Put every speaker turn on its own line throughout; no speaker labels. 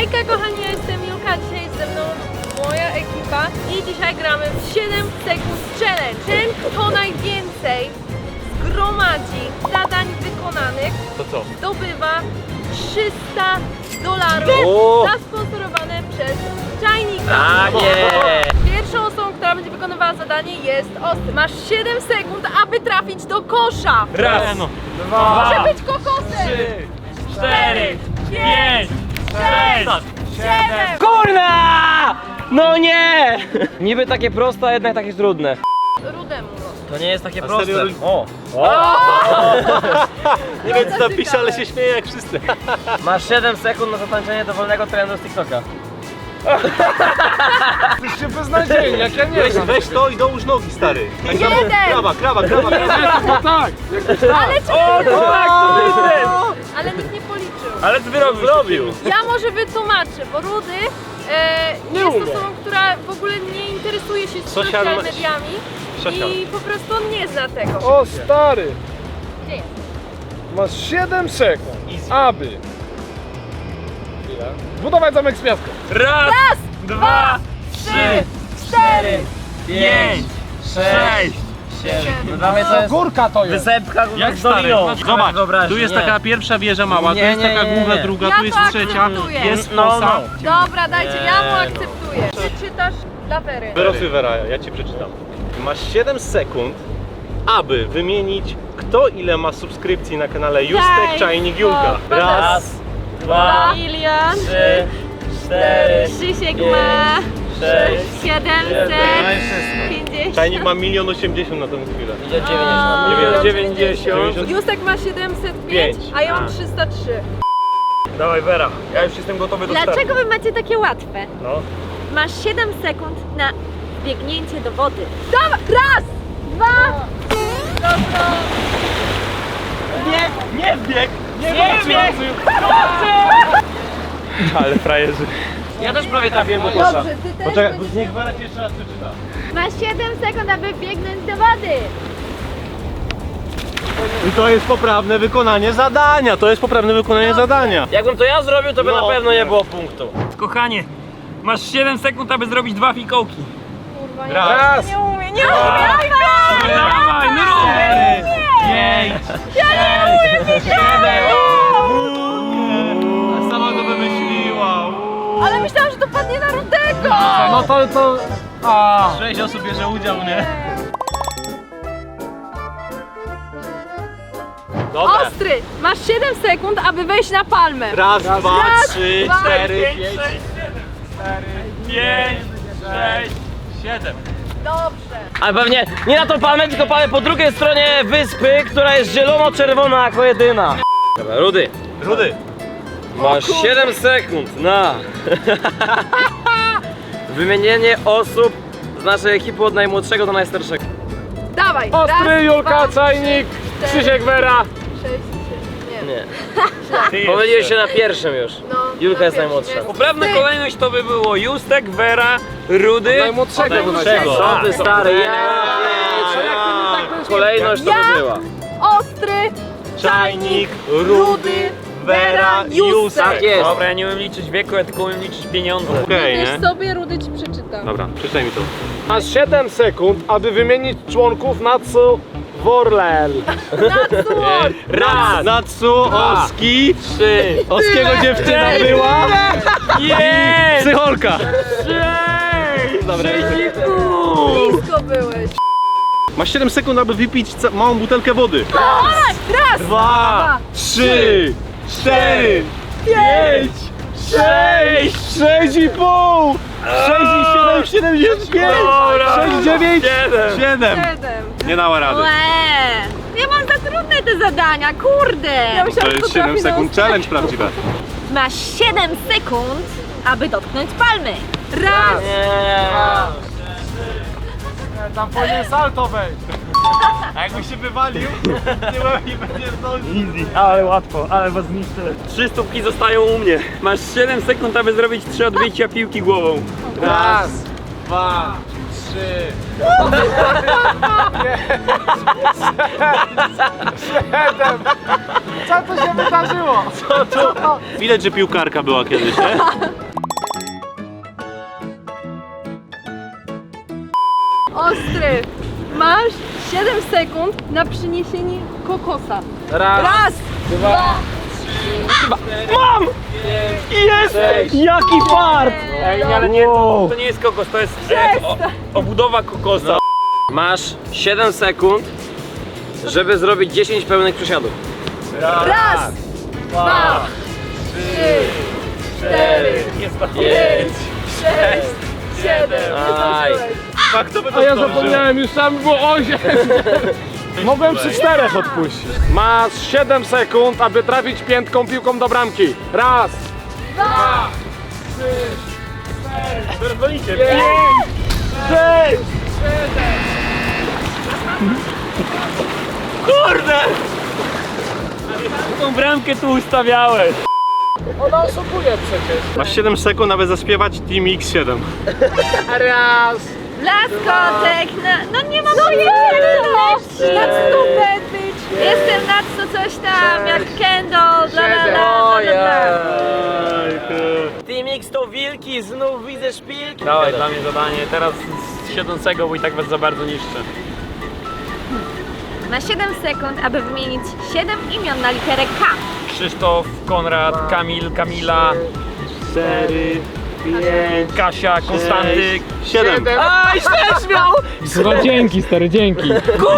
Hejka kochani, ja jestem Julka, dzisiaj jest ze mną moja ekipa i dzisiaj gramy w 7 sekund challenge. Ten, kto najwięcej zgromadzi zadań wykonanych,
To co?
zdobywa $300 zasponsorowane przez Czajnika.
Tak jest!
Pierwszą osobą, która będzie wykonywała zadanie jest Ostry. Masz 7 sekund, aby trafić do kosza.
Raz,
Może
dwa,
być kokosem.
4, 5, 6,
7.
Kurna! No nie! Niby takie proste, a jednak takie trudne.
Rudemu.
To nie jest takie
A
proste.
serio?
O!
Nie wiem co napisze, ale się śmieję jak wszyscy.
Masz 7 sekund na zatańczenie dowolnego trendu z TikToka.
Jesteście beznadziejni, jak ja nie
Weź,
znam.
weź to i dołóż nogi, stary. Tak samo.
Jeden.
Krawa.
No tak, jakoś tak.
Ale czy Ale nikt nie policzył.
Ale ty zrobił.
Ja może wytłumaczę, bo Rudy jest osobą, która w ogóle nie interesuje się social mediami i po prostu on nie zna tego.
O stary,
Gdzie jest?
masz 7 sekund, aby zbudować zamek z piasku.
Raz,
Raz,
2,
3, 4,
5, 6,
7. No dla mnie to jest
Górka to jest.
wysepka
Jak
z
stary?
doliną.
Zobacz,
Wyobraźni,
tu jest
nie.
taka pierwsza wieża mała, tu
Nie,
jest
nie,
taka
nie,
główna,
nie.
druga,
Ja
tu jest
to
trzecia,
akceptuję.
jest
No,
fosa.
Dobra, dajcie, ja mu akceptuję. Przeczytasz dla Wery.
Wyrosły Wera, ja ci przeczytam. Masz 7 sekund, aby wymienić kto ile ma subskrypcji na kanale Justek, Czajnik, Julka.
Raz, dwa,
Ilian,
3, 4,
Krzysiek
5,
ma
6,
750.
Czajnik ma 1 080 000 na tę chwilę.
idzie 90.
90.
Justek ma 705, a ja mam 303.
Dawaj Wera, ja już jestem gotowy do startu.
Dlaczego wy macie takie łatwe?
No.
Masz 7 sekund na biegnięcie do wody.
Dawaj, raz, dwa, dobra.
Nie bieg! Ale frajerzy.
Ja też prawie trafiłem do kosza.
Dobrze, ty też
Poczekaj,
będziesz...
niech Wera jeszcze raz przeczyta.
Masz 7 sekund, aby biegnąć do wody.
I to jest poprawne wykonanie zadania, to jest poprawne wykonanie zadania.
Jakbym to ja zrobił, to by
No.
na pewno nie było punktu.
Kochanie, masz 7 sekund, aby zrobić 2 fikołki.
Kurwa, nie,
Raz.
nie umiem, nie umiem.
Dawaj, no rób! 5, 6, 7.
Sama to wymyśliła.
Ale myślałam, że to padnie na Rudego.
No to... A.
6 osób bierze udział, nie? Dobra.
Ostry, masz 7 sekund, aby wejść na palmę.
Raz, dwa,
Raz,
3,
dwa,
4,
5, 6, 7.
7.
Dobrze.
Ale pewnie nie na tą palmę, tylko palmę po drugiej stronie wyspy, która jest zielono-czerwona jako jedyna. Dobra, Rudy.
Rudy.
Masz 7 sekund na wymienienie osób z naszej ekipy od najmłodszego do najstarszego.
Dawaj.
Ostry,
raz,
Julka,
dwa,
Czajnik,
3, 4,
Krzysiek, Wera.
6, 7, nie.
Nie. Pomyliłeś się na pierwszym już.
No,
Julka
na
jest
pierwszym
najmłodsza.
jest.
Poprawna
Ty.
kolejność to by było Justek, Wera, Rudy.
Najmłodszego.
Najmłodszego.
Co ty stary? Kolejność to
Ja?
by była.
Ostry,
Czajnik, Rudy, Wera, Justek.
Tak jest.
Dobra, ja nie umiem liczyć wieku, ja tylko umiem liczyć pieniądze.
Okej,
Wiesz
nie?
sobie, Rudy ci przeczyta.
Dobra, przeczytaj mi to.
Masz 7 sekund, aby wymienić członków Natsu Worlel.
Natsuor.
Raz, Natsu, Oski,
3.
Oskiego dziewczyna była
Jest!
psycholka. Dobra.
Blisko byłeś.
Masz 7 sekund, aby wypić małą butelkę wody.
Raz,
2, 3, 4, 5, 6, 6,5, 6,7, 75, 6,9, 7.
7.
Nie dała rady.
Łe! Ja mam za trudne te zadania, kurde!
Ja
To
myślałam, że
jest
to
7
trafi na
sekund challenge prawdziwe.
Masz 7 sekund, aby dotknąć palmy.
Raz,
Tam powinien salto wejść.
A jakby się wywalił, nie będzie zdążył.
Ale łatwo, ale was zniszczę. 3 stópki zostają u mnie. Masz 7 sekund, aby zrobić 3 odbicia piłki głową.
Raz, 2,
7. Co tu się wydarzyło?
Widać, że piłkarka była kiedyś, nie?
Ostry, masz 7 sekund na przyniesienie kokosa. Raz, dwa,
Mam! Jest! Jaki fart!
Ej, ale nie, to nie jest kokos, to jest obudowa kokosa.
Masz 7 sekund, żeby zrobić 10 pełnych przysiadów.
raz, dwa, trzy, cztery, pięć, sześć, siedem.
Aj.
A kto by to
A ja
zdążył?
zapomniałem, już tam było 8. Mogłem przy 4 odpuścić. Masz 7 sekund, aby trafić piętką piłką do bramki. Raz,
Dwa,
Pierdolicie.
6.
Kurde! Tą bramkę tu ustawiałeś.
Ona oszukuje przecież.
Masz 7 sekund, aby zaśpiewać Team X7.
Raz.
Blaskotek, no nie mam pojęcia jak to leci.
Nad stupę, bitch.
Jestem nad to coś tam, jak Kendall, bla bla bla bla bla.
Team X to wilki, znów widzę szpilki.
Dawaj, dla mnie zadanie, teraz z siedzącego, bo i tak was za bardzo niszczę.
Na 7 sekund, aby wymienić 7 imion na literę K.
Krzysztof, Konrad, Kamil, Kamila,
4, 5,
Kasia, Konstanty.
7.
Aj, też miał!
Słuchaj, dzięki stary, dzięki.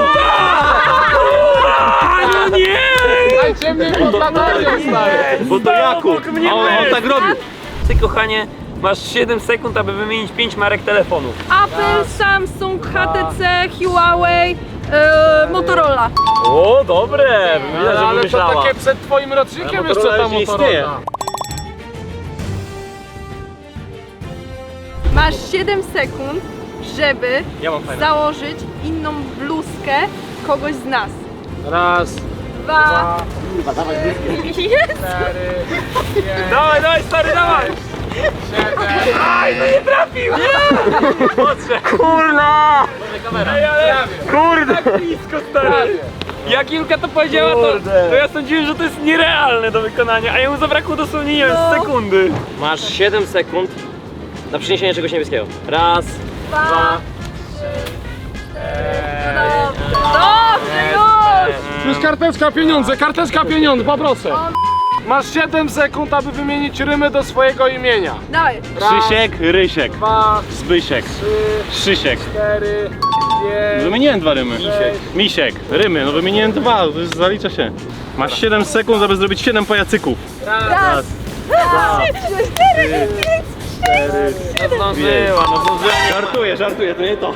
No nie!
Dajcie mnie podladanie, stary.
Bo to Jakub.
mnie
A on
bez.
tak robi.
Ty kochanie, masz 7 sekund, aby wymienić 5 marek telefonów.
Apple, Samsung, HTC, Huawei, Motorola.
O, dobre! Widać, że
Ale to
wymyślała.
takie przed twoim rocznikiem
Ale
jeszcze
Motorola
ta
już nie istnieje.
Motorola.
Masz 7 sekund, żeby
Ja mam fajne.
założyć inną bluzkę kogoś z nas.
Raz,
Dwa, jest.
4,
Dawaj, dawaj stary, dawaj!
7.
Kurna!
Ej, ale kurde! Blisko stary! Jak Julka to powiedziała, to ja sądziłem, że to jest nierealne do wykonania, a jemu zabrakło dosłownie, nie wiem, sekundy.
Masz 7 sekund na przyniesienie czegoś niebieskiego. Raz,
Dwa, dobrze już.
Już karteczka pieniądze, poproszę. Masz 7 sekund, aby wymienić rymy do swojego imienia.
Dawaj.
Krzysiek, Rysiek,
2,
Zbysiek,
3,
Krzysiek.
4, 5,
Wymieniłem 2 rymy. Misiek, rymy, no wymieniłem 2, to już zalicza się. Masz 7 sekund, aby zrobić 7 pajacyków.
Raz, dwa, trzy, cztery, pięć.
no zdążyła, no zdążyła.
Żartuję, to nie to.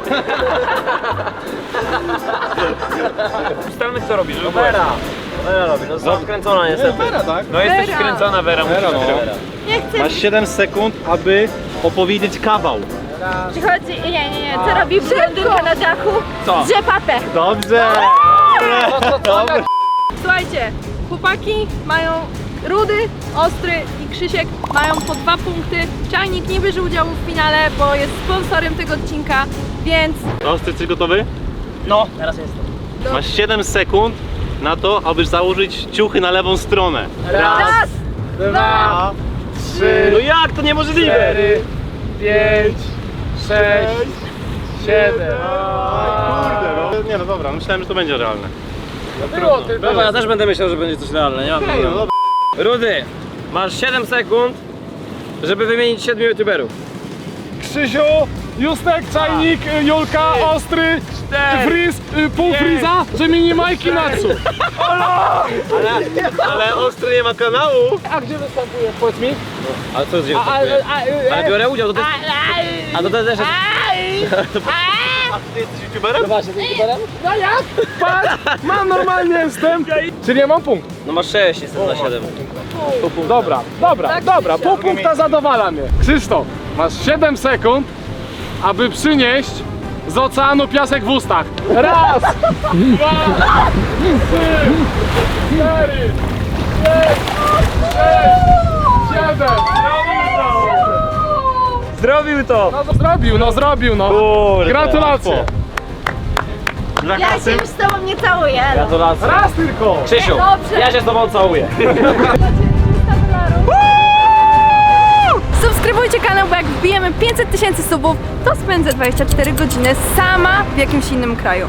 Ustalmy co robisz, żeby
Vera robi, no zakręcona niestety.
tak?
No jesteś
Vera.
wkręcona, Vera, musisz
Vera, no.
zrobić.
Nie chcę.
Masz 7 sekund, aby opowiedzieć kawał.
Przychodzi, nie, co robi blondynka na dachu?
Co?
Drze papę.
Dobrze! Dobrze.
Słuchajcie, chłopaki mają Rudy, Ostry i Krzysiek mają po 2 punkty. Czajnik nie bierze udziału w finale, bo jest sponsorem tego odcinka, więc
Ostry, jesteś gotowy?
No, teraz jestem.
Masz 7 sekund na to, aby założyć ciuchy na lewą stronę.
raz,
2, 3,
No jak? To niemożliwe!
4, 5, 6, 7.
Kurde, no. Nie no dobra, myślałem, że to będzie realne.
Było tylko.
Dobra, ja też będę myślał, że będzie coś realne, nie mam
No
problemu.
dobra.
Rudy, masz 7 sekund, żeby wymienić 7 youtuberów.
Krzysiu, Justek, Czajnik, Julka, Ostry, Friz, pół Friza, że mini Majki Natsu.
Ale Ostry nie ma kanału.
A gdzie występujesz? Powiedz mi.
Ale co gdzie Ale biorę udział, to też... A to też...
A ty jesteś youtuberem?
No jak? Patrz, mam normalnie jestem. Czyli ja mam punkt.
No masz 6, jestem na 7.
Dobra, pół punkta zadowala mnie. Krzysztof, masz 7 sekund, aby przynieść z oceanu piasek w ustach. Raz, 2, 3, 4, 5, 6, 7.
Zrobił to!
No zrobił, no.
Kurde.
Gratulacje.
Dla
Ja
kasy.
się już z tobą nie całuję. no.
Gratulacje.
Raz tylko.
Krzysiu,
Dobrze.
ja się z tobą całuję.
Subskrybujcie kanał, bo jak wbijemy 500 000 subów, to spędzę 24 godziny sama w jakimś innym kraju.